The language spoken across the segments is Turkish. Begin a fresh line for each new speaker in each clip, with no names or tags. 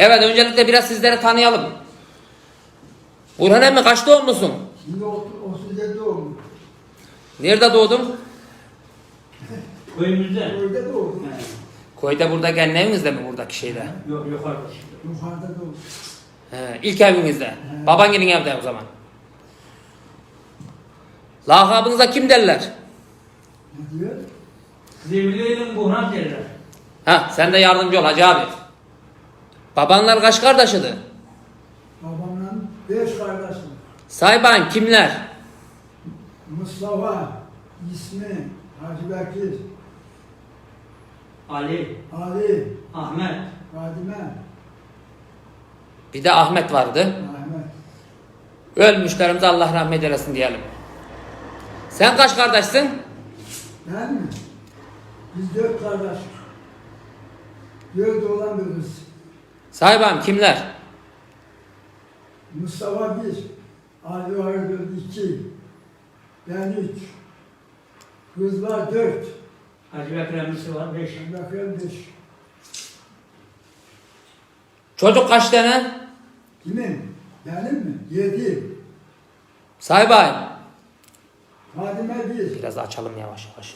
Evet, öncelikle biraz sizleri tanıyalım. Burhan emmi kaç doğumlusun?
Şimdi 37 doğumlu.
Nerede doğdun?
Köyümüzde.
Köyde doğdum.
Köyde, burada kendi evinizde mi, buradaki şeyde?
Yok yukarıda.
Yukarıda doğdum.
İlk evinizde. Baban gelin evde o zaman. Lakabınıza kim derler?
Ne diyor?
Zevliye'nin Burhan derler.
Sen de yardımcı ol Hacı abi. Babanlar kaç kardeşiydi?
Babamla 5 kardeşim.
Say bakayım kimler?
Mustafa, İsmi, Hacı Bekir,
Ali,
Ali,
Ahmet,
Fadime,
Bir de Ahmet vardı.
Ahmet.
Ölmüşlerimize Allah rahmet eylesin diyelim. Sen kaç kardeşsin?
Ben mi? Biz 4 kardeş. 4 oğlan bir kız.
Say bakayım kimler?
Mustafa 1, Ali var 2, ben 3, kız var 4,
Hacı Bekir emmisi var 5.
bakıyorum 5.
Çocuk kaç tane?
Kimin? Benim mi? 7.
Say bakayım.
Fadime 1,
Biraz açalım yavaş yavaş.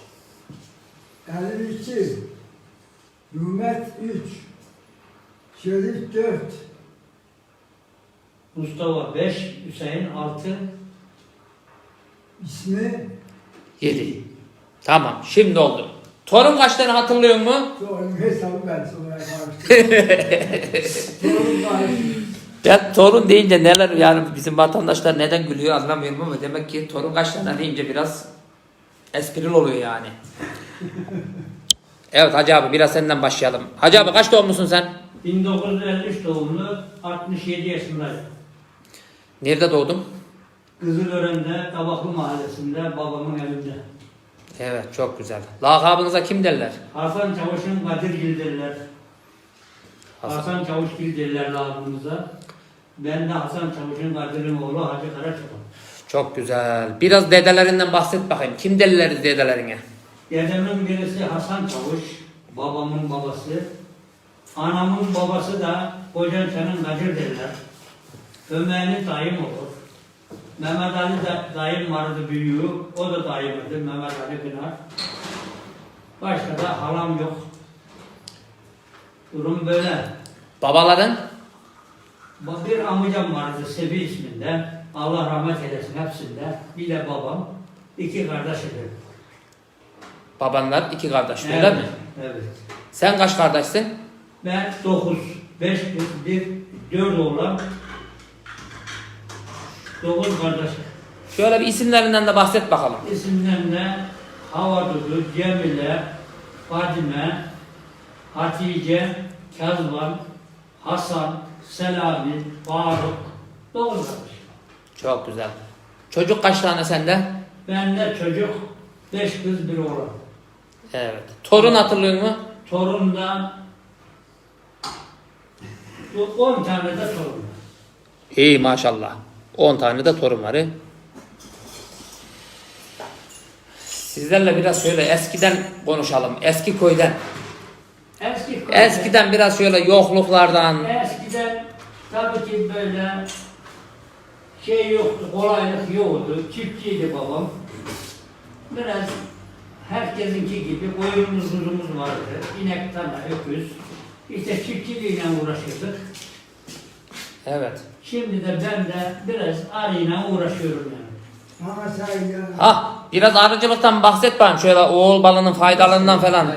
52, Mehmet 3, Şerif 4,
Mustafa 5, Hüseyin 6.
İsmi
7. Tamam, şimdi oldu. Torun kaç tane hatırlıyor mu?
Doğru hesabı ben sonra karıştırdım. Doğru karıştırdım.
Ben torun deyince neler, yani bizim vatandaşlar neden gülüyor anlamıyorum ama demek ki torun kaç tane deyince biraz esprili oluyor yani. Evet Hacı abi, biraz senden başlayalım. Hacı abi kaç doğumlusun sen?
1953 doğumlu, 67 yaşındayım.
Nerede doğdun?
Kızılören'de, Tabaklı Mahallesi'nde, babamın evinde.
Evet, çok güzel. Lakabınıza kim derler?
Hasan Çavuş'un Kadirgil derler.
Hasan.
Hasan Çavuşgil derler lağımımıza. Ben de Hasan Çavuş'un Kadir'in oğlu Hacı Karaçoğlu.
Çok güzel. Biraz dedelerinden bahset bakayım. Kim derler dedelerine?
Dedemin birisi Hasan Çavuş, babamın babası. Anamın babası da Kocaeli'nin Kadir derler. Ömer'in dayım olur. Mehmet Ali de dayım vardı büyüğü, o da dayımdı, Mehmet Ali Pınar. Başka da halam yok. Durum böyle.
Babaların?
Bir amcam vardı Sebi isminde, Allah rahmet eylesin hepsinde. Bir de babam, 2 kardeşidir.
Babanlar 2 kardeş, öyle mi?
Evet.
Sen kaç kardeşsin?
Ben 9, 5 kız, 4 oğlan, 9 kardeş.
Şöyle bir isimlerinden de bahset bakalım.
İsimlerine Havadudu, Cemile, Fadime, Hatice, Kezban, Hasan, Selami, Faruk, 9 kardeş.
Çok güzel. Çocuk kaç tane sende?
Bende çocuk 5 kız 1 oğlan.
Evet. Torun hatırlıyor musun?
Torundan 10 tane de torun var.
İyi maşallah. 10 tane de torun var. Sizlerle biraz şöyle eskiden konuşalım. Eski köyden. Eskiden biraz şöyle yokluklardan.
Eskiden tabii ki böyle şey yoktu, kolaylık yoktu. Çiftçiydi babam. Biraz herkesinki gibi koyunumuz, kuzumuz vardı. İnek, tane, öküz. İşte çiftçiliğiyle uğraşırdık.
Evet.
Şimdi de ben de biraz arıyla uğraşıyorum yani.
Bana say ya.
Biraz arıcılıktan bahset bakayım. Şöyle oğul balının faydalarından falan.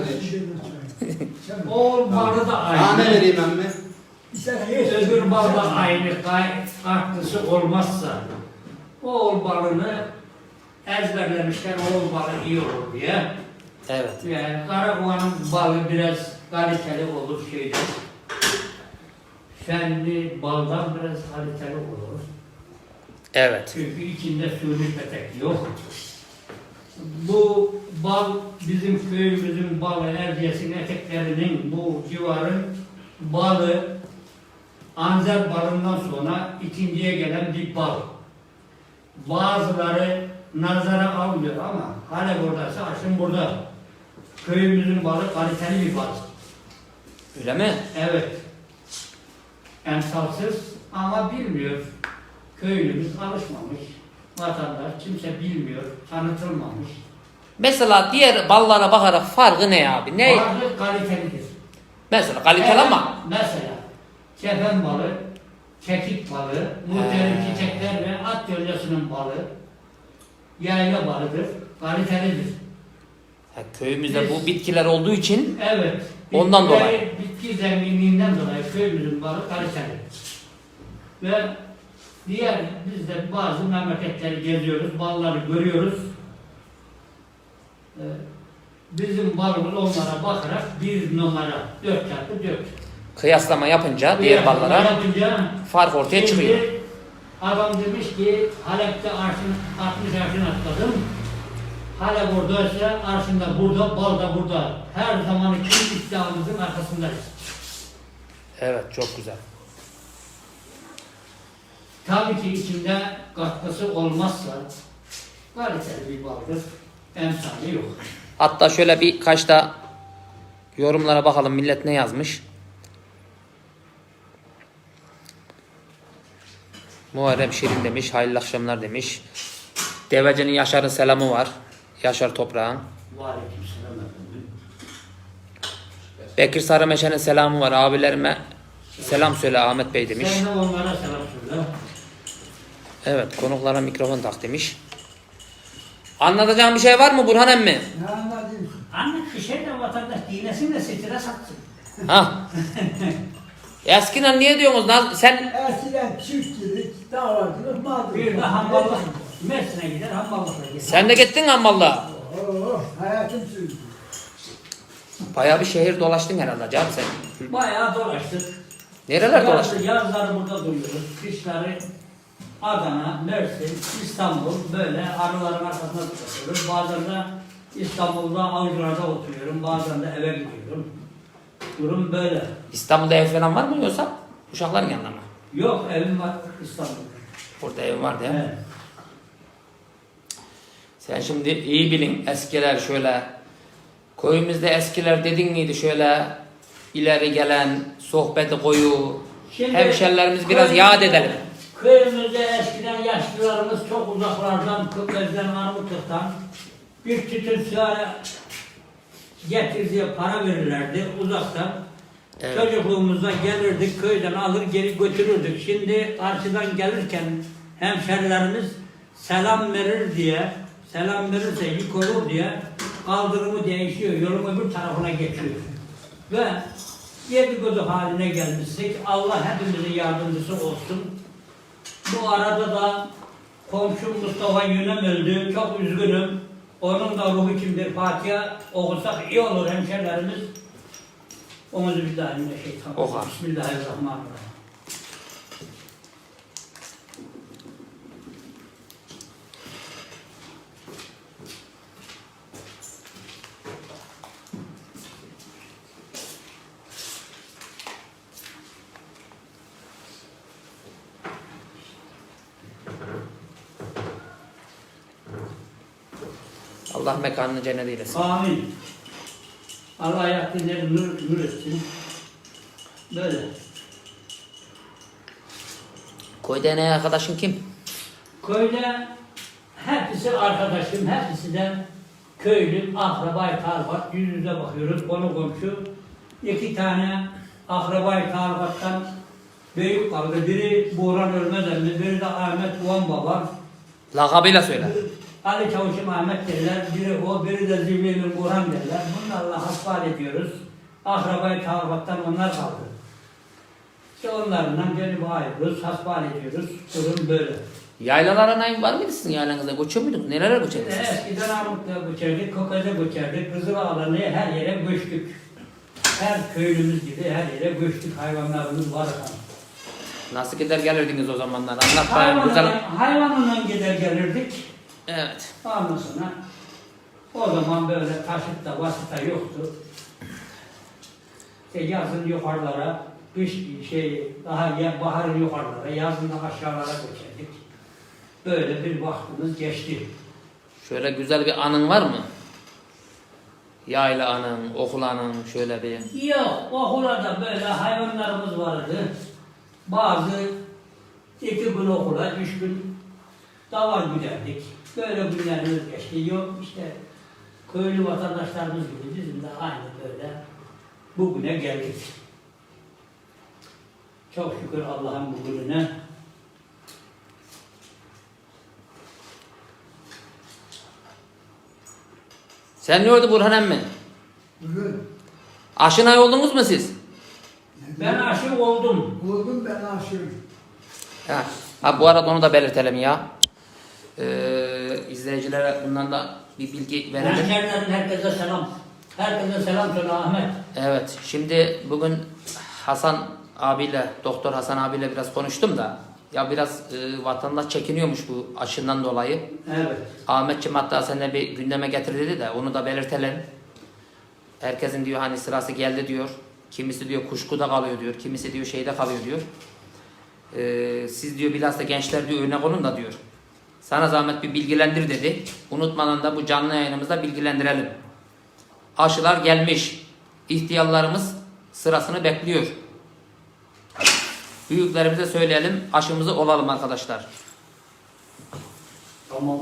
Oğul balı da
Tane
aynı.
vereyim emmi.
Öbür bal da aynı. Farklısı olmazsa oğul balını ezberlemişler, oğul balı iyi olur diye.
Evet.
Yani Karakuğa'nın balı biraz kaliteli olur şeyden. Fenli baldan biraz kaliteli olur.
Evet.
Çünkü içinde suni petek yok. Bu bal bizim köyümüzün balı, Erciyes'in eteklerinin bu civarın balı Anzer balından sonra ikinciye gelen bir bal. Bazıları nazara almıyor ama hala buradaysa aşın burada. Köyümüzün balı kaliteli bir bal.
Öyle mi?
Evet. emsalsız ama bilmiyor. Köylümüz alışmamış. Vatandaş kimse bilmiyor, tanıtılmamış.
Mesela diğer ballara bakarak farkı ne abi? Ne?
Bazı kalitelidir.
Mesela kaliteli ama.
Mesela kefen balı, kekik balı, muhtelif çiçekler ve at yölyasının balı, yayla balıdır, kalitelidir.
Köyümüzde bu bitkiler olduğu için
Evet.
Ondan dolayı.
Bitki zenginliğinden dolayı köyümüzün balı kaliteli. Ve diğer biz de bazı memleketleri geziyoruz, balları görüyoruz. Bizim balımız onlara bakarak bir numara 4x4.
kıyaslama yapınca diğer ballara
Yapınca
fark ortaya
şimdi
çıkıyor.
adam demiş ki Halep'te 60 arşın atladım. Halep oradaysa arşında burada, bal da burada. Her zaman için iddiamızın arkasındayız.
Evet, çok güzel.
Tabii ki içinde katkısı olmazsa kaliteli bir baldır. Emsali yok.
Hatta şöyle birkaç da yorumlara bakalım millet ne yazmış. Muharrem Şirin demiş, hayırlı akşamlar demiş. Devece'nin Yaşar'ın selamı var. Yaşar Toprağ'ın.
Aleykümselam efendim.
Bekir Sarımeşe'nin selamı var. Abilerime selam söyle Ahmet Bey demiş.
Sen de onlara selam söyle.
Evet, konuklara mikrofon tak demiş. Anlatacağım bir şey var mı Burhan emmi?
Ne anladın?
Anne kışa da vatandaş dinesin de stres atsın.
Ha? Eskiden niye diyorsunuz? Sen
Eskiden çiftçilik, dağlarcılık, malcılık.
Bir de hamballık. Mersin'e gider, hamballıkla gider.
sen de gittin Ammal'la.
Hayatım sürdü.
Bayağı bir şehir dolaştın herhalde canım sen.
Bayağı dolaştık.
Nereler dolaştın?
Yazları burada duruyoruz. Kışları Adana, Mersin, İstanbul böyle arıların arkasında tutuyoruz. Bazen de İstanbul'da avcılarda oturuyorum. Bazen de eve gidiyorum. Durum böyle.
İstanbul'da ev falan var mı yoksa uşakların yanında mı?
Yok evim var İstanbul'da.
Orada ev var değil mi?
Evet.
Sen şimdi iyi bilin eskiler şöyle. Köyümüzde eskiler dedin miydi şöyle ileri gelen sohbeti koyu. Hemşerilerimiz biraz
köyümüzde-
yad edelim.
Köyümüzde eskiden yaşlılarımız çok uzaklardan, Kıbrıs'tan, Armutlu'dan bir tütün sigara getir diye para verirlerdi uzaktan.
Evet.
Çocukluğumuzda gelirdik, köyden alır geri götürürdük. Şimdi karşıdan gelirken hemşerilerimiz selam verir diye, selam verirse yük olur diye kaldırımı değişiyor, yolun öbür tarafına geçiyor. Ve dedikodu haline gelmiştik. Allah hepimizin yardımcısı olsun. Bu arada da komşum Mustafa Yünem öldü. Çok üzgünüm. Onun da ruhu kimdir? Fatiha okusak iyi olur hemşerilerimiz. Euzubillahimineşşeytanirracim.
Oha.
Bismillahirrahmanirrahim.
Allah mekanını cennet eylesin.
Amin. Allah ayaklarını nur etsin. Böyle.
Köyde en iyi arkadaşın kim?
Köyde hepsi arkadaşım, hepsi de köylüm, akrabayı tarifat, yüz yüze bakıyoruz, konu komşu. İki tane akrabayı tarifattan büyük kaldı. Biri Buğran Ölmezemli, biri de Ahmet Uvan Baba.
Lakabıyla söyle.
Ali Çavuş'um Ahmet derler, biri o, biri de Zivli'nin Burhan derler. Bunlarla hasbihal ediyoruz. Akrabayı tarifattan onlar kaldı. İşte onlardan gelip ayrılıyoruz, hasbihal ediyoruz. Durum böyle.
Yaylalara var mıydı sizin yaylanızda? Göçüyor muydunuz? Nelere göçerdiniz siz?
Eskiden Armutlu'ya göçerdik, Kokaz'a göçerdik, Kızıldağ'dan her yere göçtük. Her köylümüz gibi her yere göçtük, hayvanlarımız var efendim.
Nasıl gider gelirdiniz o zamanlar? Anlat bakalım güzel.
Hayvanla gider gelirdik.
Evet.
Ondan sonra o zaman böyle taşıt da vasıta yoktu. İşte yazın yukarılara, kış daha baharın yukarılara, yazın da aşağılara göçerdik. Böyle bir vaktimiz geçti.
Şöyle güzel bir anın var mı? Yayla anın, okul anın şöyle bir.
Yok, okula da böyle hayvanlarımız vardı. Bazı 2 gün okula, 3 gün davar güderdik. Böyle günlerimiz geçti. Yok işte köylü vatandaşlarımız gibi bizim de aynı böyle bugüne geldik. Çok şükür Allah'ın bugününe.
Sen ne oldu Burhan emmi?
Bugün
Aşınay oldunuz mu siz?
Ben aşık oldum.
oldum ben aşığım.
Ha, bu arada onu da belirtelim ya. İzleyicilere bundan da bir bilgi verelim.
Hemşerilerin herkese selam. Herkese selam söyle Ahmet.
Evet, şimdi bugün Hasan abiyle, Doktor Hasan abiyle biraz konuştum da ya biraz vatandaş çekiniyormuş bu aşından dolayı.
Evet.
Ahmetciğim hatta seninle bir gündeme getir dedi de onu da belirtelim. Herkesin diyor hani sırası geldi diyor. Kimisi diyor kuşkuda kalıyor diyor. Kimisi diyor şeyde kalıyor diyor. Siz diyor bilhassa gençler diyor örnek olun da diyor. Sana zahmet bir bilgilendir dedi. Unutmadan da bu canlı yayınımızda bilgilendirelim. Aşılar gelmiş. İhtiyarlarımız sırasını bekliyor. Büyüklerimize söyleyelim. Aşımızı olalım arkadaşlar.
Tamam.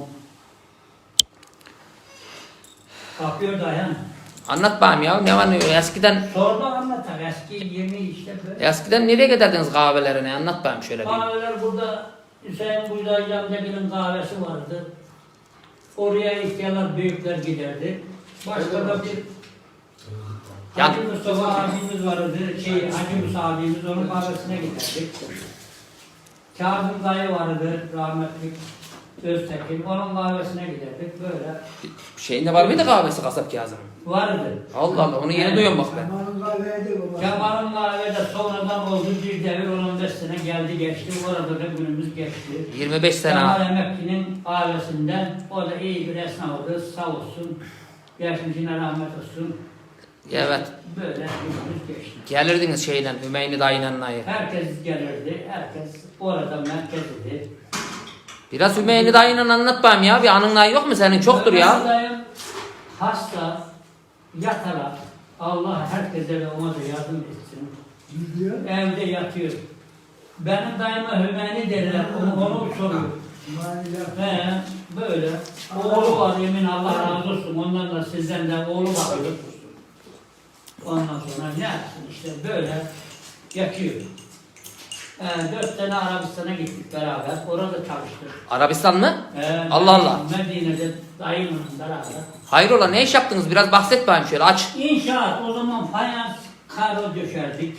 Kapıyor dayan.
Anlat bakayım ya. Ne var ne yok. Eskiden
Sordu anlatar. Eski yeni işte böyle.
eskiden nereye giderdiniz kahvelerine? Anlat bakayım şöyle bir.
Kahveler burada Hüseyin Buydaycı amcagil'in kahvesi vardı. Oraya ihtiyarlar, büyükler giderdi. Başka da bir Hacı Mustafa abimiz vardı. Hacı Musa abimiz onun kahvesine giderdik. Kazım dayı vardı rahmetli Öztekin. Onun kahvesine giderdik böyle.
Şeyinde var mıydı kahvesi kasap Kazım'ın?
Vardı.
Allah Allah onu yeni duyuyorum bak ben.
Zamanın kahveydi baba.
Kemal'ın kahvede sonradan oldu bir devir 15 sene geldi geçti. Orada da günümüz geçti.
25 sene.
Kemal Emekli'nin kahvesinden o da iyi bir esnafdı sağ olsun. Geçmişine rahmet olsun.
Evet.
Böyle günümüz geçti.
Gelirdiniz şeyden Hümeyni dayının nayı.
Herkes gelirdi. Herkes orada merkezdi.
Biraz Hümeyni dayının anlat bakayım ya. Bir anın nayı yok mu senin? Çoktur ya.
Dayım hasta yatarak Allah herkese ve ona da yardım etsin.
Gidiyor.
Evde yatıyor. Benim dayıma Hümeyni derler. Onu soruyor.
Maalesef.
He, böyle. Oğlu var yemin Allah razı olsun. Ondan da sizden de oğlu bakıyor. Ondan sonra ne yapsın işte böyle yatıyor. 4 sene Arabistan'a gittik beraber. Orada çalıştık.
Arabistan mı? Allah Allah.
Medine'de dayımla beraber.
Hayrola ne iş yaptınız? Biraz bahset bakayım şöyle aç.
İnşaat o zaman fayans karo döşerdik.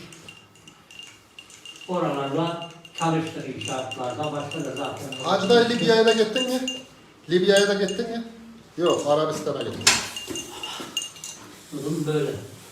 Oralarla çalıştık inşaatlarda. Başka da zaten.
Hacı dayı Libya'ya da gittin mi? Libya'ya da gittin mi? Yok, Arabistan'a gittin.
Durum böyle.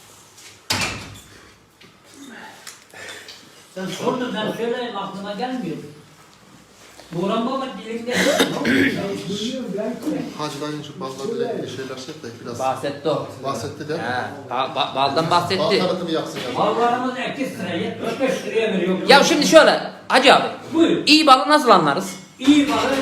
Sen sordun ben söyleyeyim aklıma gelmiyor. Burhan Baba dilinde.
Biliyorum belki.
Hacı dayının şu ballarla ilgili şeyler şey de biraz
Bahsetti o.
bahsetti de.
Baldan bahsetti.
Bal tanıtımı yapsın ya.
Mallarımız 2 liraya, 75 liraya veriyor.
Ya şimdi şöyle Hacı abi.
Buyur.
İyi balı nasıl anlarız?
İyi balı,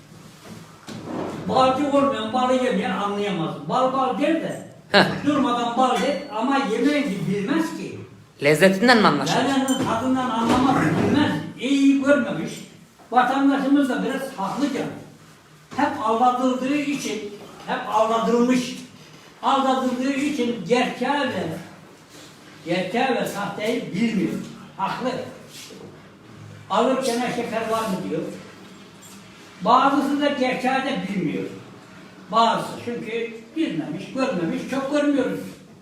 balcı olmayan balı yemeyen anlayamaz. Bal der de,
Heh.
durmadan bal der ama yemeğini bilmez ki.
Lezzetinden mi anlaşılır?
Lezzetin tadından anlamaz, bilmez. İyi görmemiş. Vatandaşımız da biraz haklıca. Hep aldatıldığı için, hep aldatılmış. Aldatıldığı için gerçeği ve sahteyi bilmiyor. Haklı. Alırken şeker var mı diyor. Bazısı da gerçeği de bilmiyor. Bazısı çünkü bilmemiş, görmemiş, çok görmüyoruz.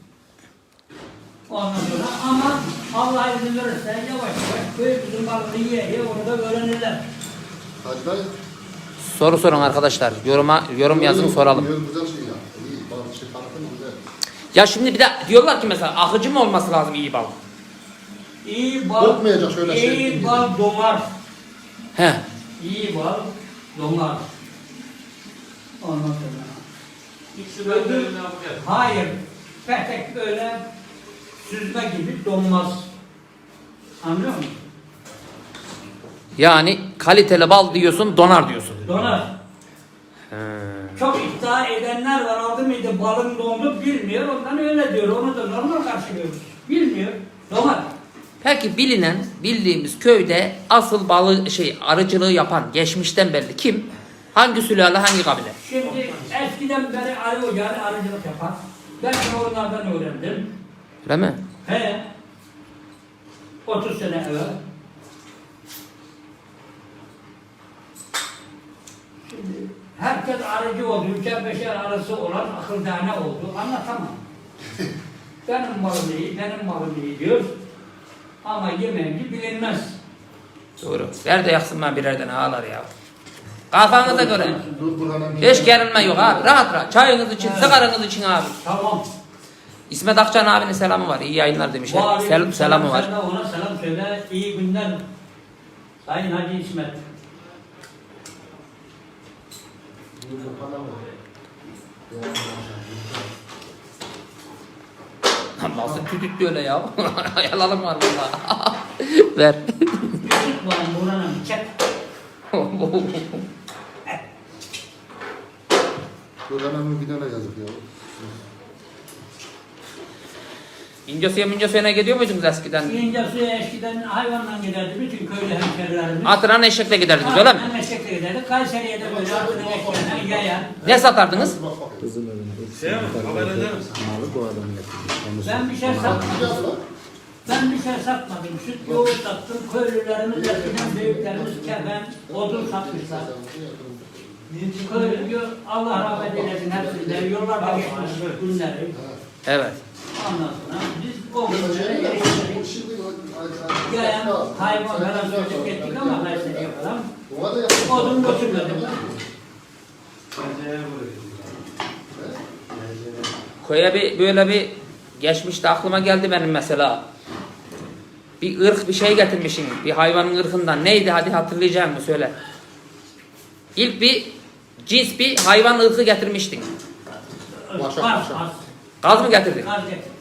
Ondan sonra ama Allah izin verirse yavaş yavaş köyümüzün balını yiye onu da öğrenirler.
Hacı dayı.
Soru sorun arkadaşlar. Yorum yazın soralım.
Güzel şey ya. İyi, bal şey tanıtım güzel.
Ya şimdi bir de diyorlar ki mesela akıcı mı olması lazım iyi bal?
İyi bal,
Kokmayacak şöyle şey.
iyi bal donar.
He.
İyi bal donar. Ondan sonra. Hayır. Petek böyle süzme gibi donmaz. Anlıyor musun?
Yani kaliteli bal diyorsun donar diyorsun.
Donar. Çok iddia edenler var. Aldı mıydı balın dondu bilmiyor. Ondan öyle diyor. Onu da normal karşılıyoruz. Bilmiyor. Donar.
Peki bildiğimiz köyde asıl arıcılığı yapan geçmişten beri kim? Hangi sülale, hangi kabile?
Şimdi eskiden beri arı ocağı arıcılık yapar. Ben de onlardan öğrendim.
Öyle mi?
He. 30 sene evvel. Şimdi herkes arıcı oldu. Üçer beşer arası olan akıl tane oldu. Anlatamam. Benim malım iyi, benim malım iyi diyor. Ama yemeğinci bilinmez.
Doğru. Ver de yaksın bana birerden ağlar ya. Kafanıza göre.
Dur Burhan'a
Hiç gerilme yok abi. Rahat rahat. Çayınız için, sigaranız için abi.
Tamam.
İsmet Akçan abinin selamı var. İyi yayınlar demiş. Selamı var.
Sen de ona selam söyle. İyi günler. Sayın Hacı İsmet.
Nasıl tütüttü öyle ya? Yalalım var burada. Ver.
Küçük var buranın. Çek.
Burhan'a bir tane yazık ya.
İncesu'ya gidiyor muydunuz eskiden?
İncesu'ya eskiden hayvanla giderdi. Bütün köylü hemşerilerimiz.
Atıran eşekle giderdiniz öyle mi?
Eşekle giderdik. Kayseri'ye de böyle atını eşeklerine yaya.
Ne satardınız?
Şey mi? Haber eder misin?
Ben bir şey satmadım. Ben bir şey satmadım. Süt yoğurt sattım. Köylülerimiz eskiden büyüklerimiz kefen, odun satmışlar. Köylü diyor, Allah rahmet eylesin hepsinde. Yollarda geçmiş günleri.
Evet.
Ondan sonra biz o günlere eriştik. Yayan hayvan falan sözlük ettik ama Kayseri'ye falan. Odun götürmedim.
Köye böyle bir geçmişte aklıma geldi benim mesela. Bir ırk bir şey getirmişsin. Bir hayvanın ırkından. Neydi hadi hatırlayacağım mı söyle. İlk bir cins bir hayvan ırkı getirmiştin.
Kaz.
Gaz mı getirdin?
Kaz getirdim.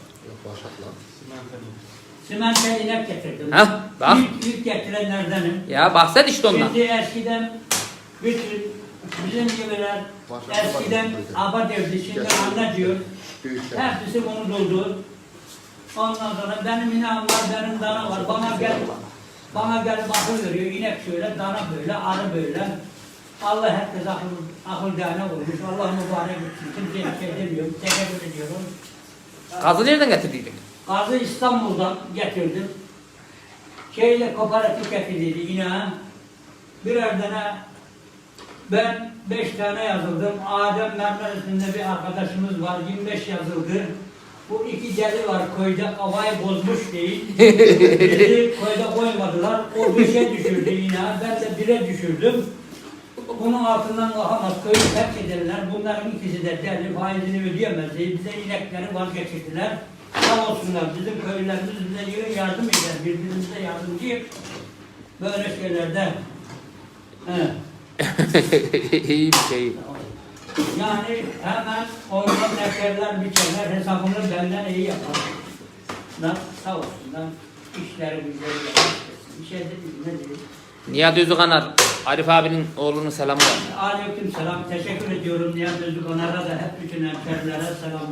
Simente inek getirdim.
Hah, bak.
İlk getirenlerdenim.
Ya bahset işte ondan.
Şimdi eskiden bütün bizim gibiler eskiden aba derdi, şimdi anne diyor. Hepsi bunu doldu. Ondan sonra benim ineğim var, benim dana var. Bana gelip akıl veriyor. İnek şöyle, dana böyle, arı böyle. Allah herkes akıl tane olmuş. Allah mübarek etsin. Kimseye bir şey demiyorum. Teşekkür ediyorum.
Gazı nereden getirdiydin?
Gazı İstanbul'dan getirdim. Kooperatif getirdiydi ineğe. Birer tane ben 5 tane yazıldım. Adem Mermer isminde bir arkadaşımız var. 25 yazıldı. Bu iki deli var köyde kafayı bozmuş değil. Bizi köyde koymadılar. O 5'e düşürdü ineğe. Ben de 1'e düşürdüm. Bunun altından kalkamaz. Köyü terk ederler. Bunların ikisi de deli. Faizini ödeyemez. Bize inekleri vazgeçirdiler. Sağ olsunlar. Bizim köylülerimiz bize yardım eder. Birbirimize yardımcı. Böyle şeylerde. He.
İyi bir şey.
Yani hemen ondan neferler, biçerler, hesabını benden iyi yapar. Sağ olsunlar. İşleri bizleri yapar. Bir şey değil, ne değil.
Nihat Özükanar, Arif abinin oğlunun selamı var.
Aleyküm selam. Teşekkür ediyorum Nihat Özükanar'a da hep bütün hemşerilere selam.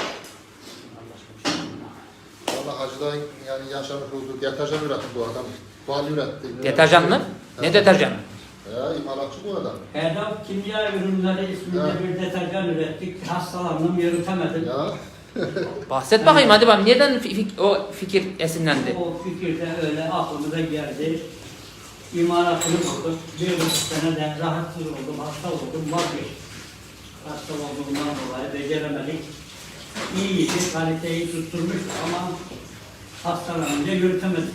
Valla hacıdan yani yaşamış olduğu deterjan üretti bu adam. Bal üretti.
Deterjan mı? Ne deterjanı?
Ya imalatçı bu adam.
Erdal Kimya Ürünleri isminde bir deterjan ürettik. Hastalandım, yürütemedim.
Ya.
Bahset bakayım hadi bak. Neden o fikir esinlendi?
O fikir de öyle aklımıza geldi. İmalatını bulduk. 1,5 sene de rahatsız oldum, hasta oldum, vazgeçtim. Hasta olduğumdan dolayı beceremedik. İyiydi, kaliteyi tutturmuştu ama hastalanınca yürütemedik.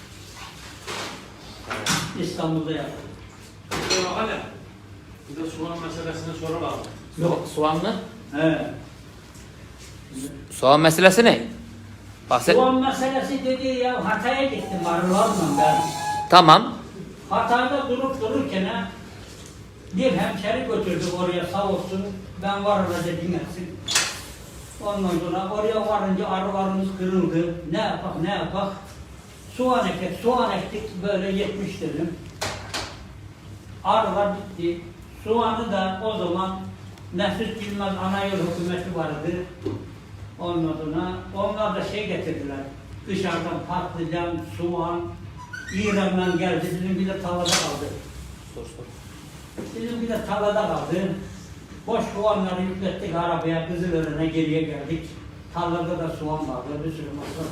İstanbul'da yaptık.
Hala bir de soğan meselesini soralım.
Yok. Soğan mı?
He.
Soğan meselesi ne? Bahset.
Soğan meselesi dedi ya, Hatay'a gittim arılarla ben.
Tamam.
Hatay'da durup dururken bir hemşeri götürdük oraya sağ olsun. Ben var orada dinlesin. Ondan sonra oraya varınca arılarımız kırıldı. Ne yapak? Soğan ektik böyle 70 dönüm. Arılar bitti. Soğanı da o zaman Nefis Bilmez Anayol hükümeti vardı. Ondan sonra onlar da getirdiler. Dışarıdan patlıcan, soğan, İran'dan geldi. Bizim bir de tarlada kaldı.
Sor sor.
Bizim bir de tarlada kaldı. Boş soğanları yüklettik arabaya, Kızılören'e geriye geldik. Tarlada da soğan vardı, bir sürü masraf.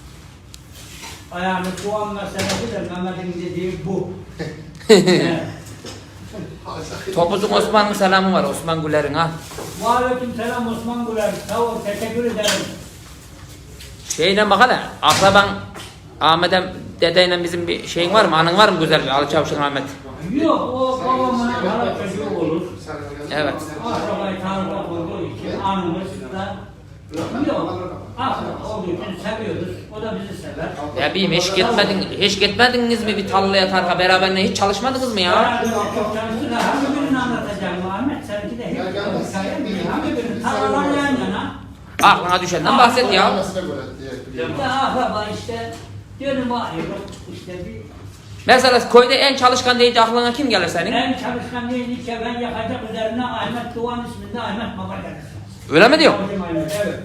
Yani soğan meselesi de Mehmet'in dediği bu. Evet.
Topuzun Osman'ın selamı var, Osman Güler'in ha.
Aleyküm selam Osman Güler. Sağ ol, teşekkür ederim.
Şeyle bak hele, akraban Ahmet'e dedeyle bizim bir şeyin var mı? Anın var mı güzel bir Ali Çavuş'un Ahmet?
Yok, o babamın hala çocuğu olur.
Evet.
Akrabayı tanımak olduğu için anımız da yok. Akraba olduğu için seviyoruz. O da bizi sever.
Ya bileyim hiç gitmediniz mi bir tarlaya tarla beraber hiç çalışmadınız mı ya?
Beraber çok çalıştık. Hangi birini anlatacağım Muhammed? Seninki de hep hikaye mi? Hangi birini? Tarlalar yan yana.
Aklına düşenden bahset ya.
Ya akraba işte. Diyorum ayırıp işte bir...
Mesela köyde en çalışkan deyince aklına kim gelir senin?
En çalışkan değil ki ben yakacak üzerine Ahmet Doğan isminde Ahmet Baba gelir.
Öyle mi diyor?
Evet.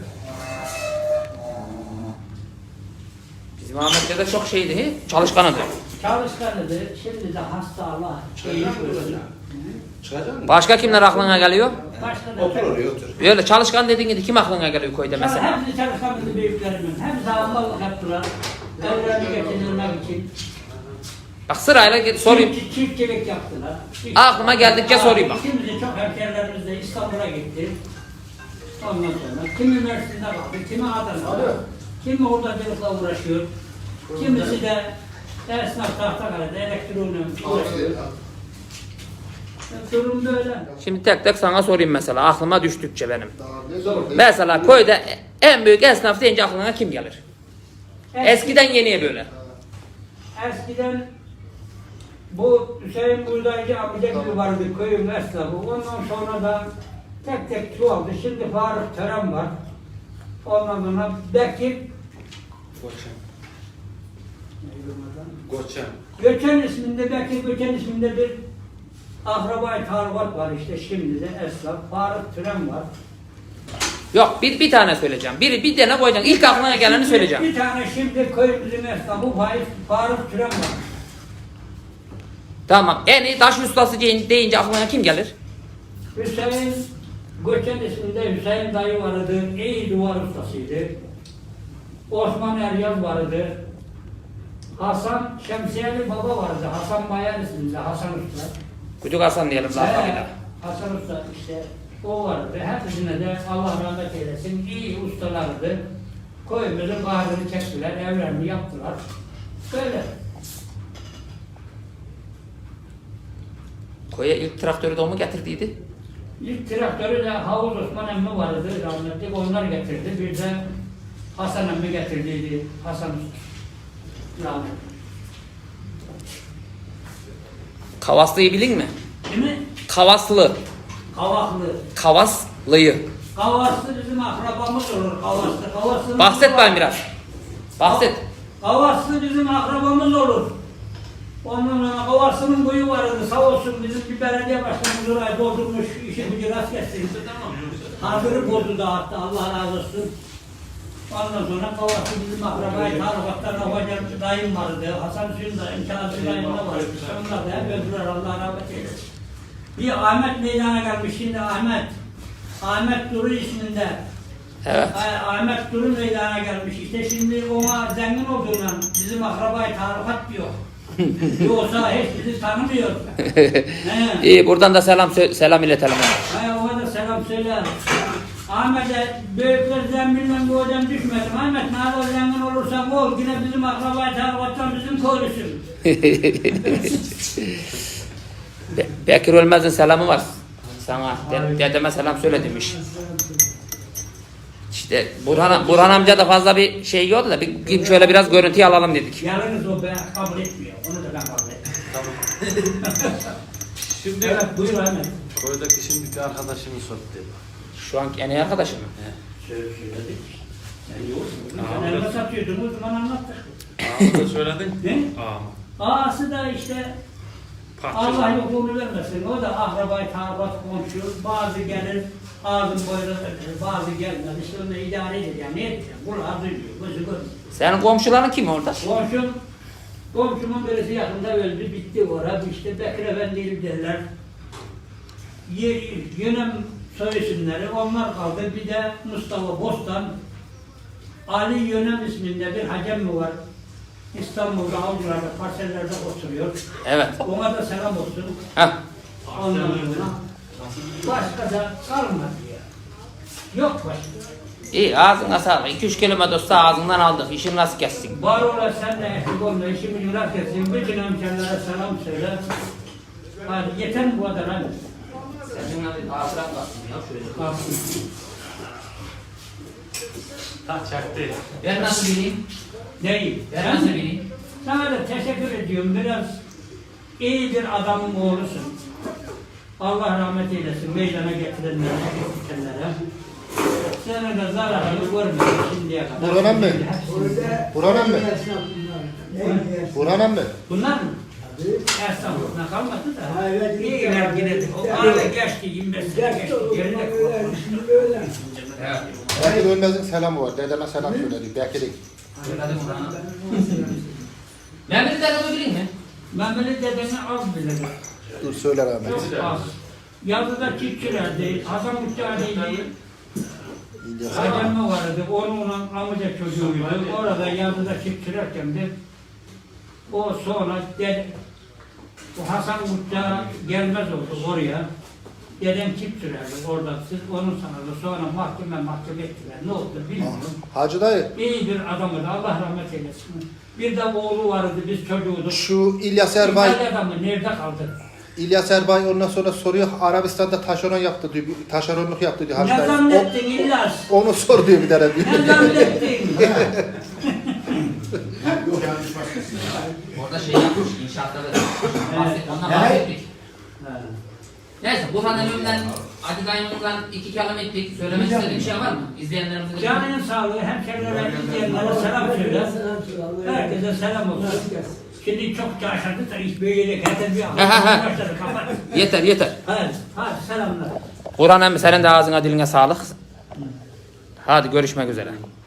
Bizim Ahmet dede çok şeydi, çalışkanıdı.
Çalışkanıdır. Şimdi de hasta Allah.
Çıkacak mı?
Başka kimler aklına geliyor?
Başka da...
Otur oraya otur.
Öyle çalışkan dediğin kim aklına geliyor köyde mesela?
Hepsi çalışkanıdır büyüklerimin. Hepsi Allah'lık yaptılar. Evlerini geçindirmek için.
Bak sırayla sorayım.
Çiftçilik yaptılar.
Aklıma geldikçe sorayım bak.
Şimdi çok hemşehrilerimiz de İstanbul'a gitti. Ondan sonra kimi Mersin'de kaldı, kimi Adana'da, kimi hurdacılıkla uğraşıyor. Kimisi de esnaf Tahtakale'de elektronikle uğraşıyor. Durum böyle.
Şimdi tek tek sana sorayım mesela aklıma düştükçe benim. Mesela köyde en büyük esnaf deyince aklına kim gelir? Eskiden yeniye böyle.
Eskiden bu Hüseyin Buğdaycı amca gibi vardı köyün esnafı. Ondan sonra da tek tek çoğaldı. Şimdi Faruk Tören var. Ondan sonra Bekir
Goçan. Goçan.
Göçen isminde, Bekir Göçen isminde bir akraba-i talukat var işte şimdi de esnaf. Faruk Tören var.
Yok bir tane söyleyeceğim. Bir tane koyacaksın. İlk aklına geleni söyleyeceğim.
Bir tane şimdi köyümüzün esnafı Faruk Tören var.
Tamam. En iyi taş ustası deyince aklına kim gelir?
Hüseyin Göçen isminde Hüseyin dayı vardı. İyi duvar ustasıydı. Osman Eryaz vardı. Hasan Şemsiyeli baba vardı. Hasan Bayan isminde Hasan Usta.
Kucuk Hasan diyelim lakabıyla.
Hasan Usta işte o vardı. Hepsine de Allah rahmet eylesin. İyi ustalardı. Köyümüzün kahrını çektiler. Evlerini yaptılar. Böyle.
Köye ilk traktörü de o mu getirdiydi?
İlk traktörü de Havuz Osman emmi vardı rahmetli. Onlar getirdi. Bir de Hasan emmi getirdiydi. Hasan Usta. Rahmetli.
Kavaslıyı bilin mi?
Değil mi?
Kavaslı.
Kavaklı.
Kavaslıyı.
Kavaslı bizim akrabamız olur. Kavaslı.
Bahset bana biraz. Bahset.
Kavaslı bizim akrabamız olur. Ondan sonra Kavaslı'nın boyu vardı. Sağ olsun bizim bir belediye başkanımız orayı doldurmuş. İşi gücü rast geçsin. Hazırı bozdu dağıttı. Allah razı olsun. Ondan sonra Kavaslı bizim akrabayı tarifaktan hocam dayım vardı. Hasan Hüseyin dayım, Kazım dayım da vardı. Onlar da hep öldüler. Allah rahmet eylesin. Bir Ahmet meydana gelmiş şimdi Ahmet. Ahmet Duru isminde.
Evet.
Ahmet Duru meydana gelmiş. İşte şimdi ona zengin olduğundan bizim akrabayı tarikat diyor. Yoksa hiç bizi tanımıyor.
İyi buradan da selam iletelim.
Ona da selam söyle. Ahmet'e büyüklerden bilmem bu hocam düşmedim. Ahmet ne kadar zengin olursan ol. Yine bizim akrabayı tarikattan bizim köylüsün.
Bekir Ölmez'in selamı var sana. Dedeme selam söyle demiş. İşte Burhan amca da fazla bir şey yoktu da bir şöyle biraz görüntüyü alalım dedik.
Yalnız o ben kabul etmiyor. Onu da ben kabul etmiyorum.
Şimdi
Evet buyur Ahmet.
köydeki şimdiki arkadaşını sor dedi.
Şu an en iyi arkadaşım mı?
Söyledik. Sen yoksun. Sen elma satıyordun o zaman anlattık.
Ağamı da söyledin.
Ne?
Ağamı.
Ağası da işte Allah yokluğunu vermesin. O da akrabayı tarikat komşu. Bazı gelir ağzın boyuna takılır. Bazı gelmez. İşte onu idare edecek. Yani ne edecek? Kulağı duyuyor. Gözü görmüyor.
Senin komşuların kim orada?
Komşumun birisi yakında öldü, bitti orada. İşte Bekir Efendi'yi derler. Yönem soy isimleri, onlar kaldı. Bir de Mustafa Bostan, Ali Yönem isminde bir hacem mi var? İstanbul'da, Avcılar'da, parsellerde oturuyor.
Evet.
Ona da selam olsun.
Heh.
Ondan sonra başka da kalmadı ya. Yok başka.
İyi ağzına sağlık. 2-3 kelime dostu ağzından aldık. İşin nasıl kessin?
Var ola sen de eksik olma, işimi yurak etsin. Bütün hemşerilere selam söyle. Hadi yeter mi bu kadar hadi?
Senin hadi hatıran kalsın ya şöyle.
Kalsın.
Taç çaktı.
Ben nasıl bileyim?
Değil.
Ben nasıl bileyim?
Sana da teşekkür ediyorum. Biraz iyi bir adamın oğlusun. Allah rahmet eylesin meydana getirenlere, getirenlere. Sana da zararını görmedim şimdiye kadar.
Burhan emmi. Burhan emmi. Burhan emmi.
Bunlar mı? Estağfurullah kalmadı da. İyiler yine de. O arada geçti 25 sene geçti. Geride kalmadı.
Evet.
Bekir Ölmez'in selamı var. Dedeme selam söyledi. Bekir'in.
Söyledim Burhan'a. Mehmet'i dedemi bileyim mi?
Mehmet'in dedeni az bilirim.
Dur söyle rahmet.
Çok az. Yazıda çiftçilerdi. Hasan Uçağı'ydı.
İlyas.
Hacemme vardı. Onun amca çocuğuydu. Orada yazıda çiftçilerken de o sonra bu Hasan Uçağı gelmez oldu oraya. Dedem çift sürerdi orada. Siz onun sanırdı. Sonra mahkeme ettiler. Ne oldu bilmiyorum.
Hacı dayı.
İyi bir adamdı. Allah rahmet eylesin. Bir de oğlu vardı. Biz çocuğuyduk.
Şu İlyas Erbay.
İtalya adamı nerede kaldı?
İlyas Erbay ondan sonra soruyor. Arabistan'da taşeron yaptı diyor. Taşeronluk yaptı diyor. Hacı
Ne
dayı.
zannettin İlyas?
Onu sor diyor bir tane diyor.
Ne zannettin?
Orada şey yapmış, inşaatta da. Ondan bahsettik.
Ha.
Neyse, Burhan Elim'den, Hadi Dayım'dan 2 kelam ettik. Söylemek istediğin bir şey var mı? İzleyenlerimizin için.
Canının sağlığı, hemşerilere, izleyenlere selam söyle. Herkese selam olsun. Şimdi çok caşadı da iş böyle herkes bir başladı kapat.
Yeter, yeter.
Hadi selamlar.
Burhan emmi senin de ağzına diline sağlık. Hadi görüşmek üzere.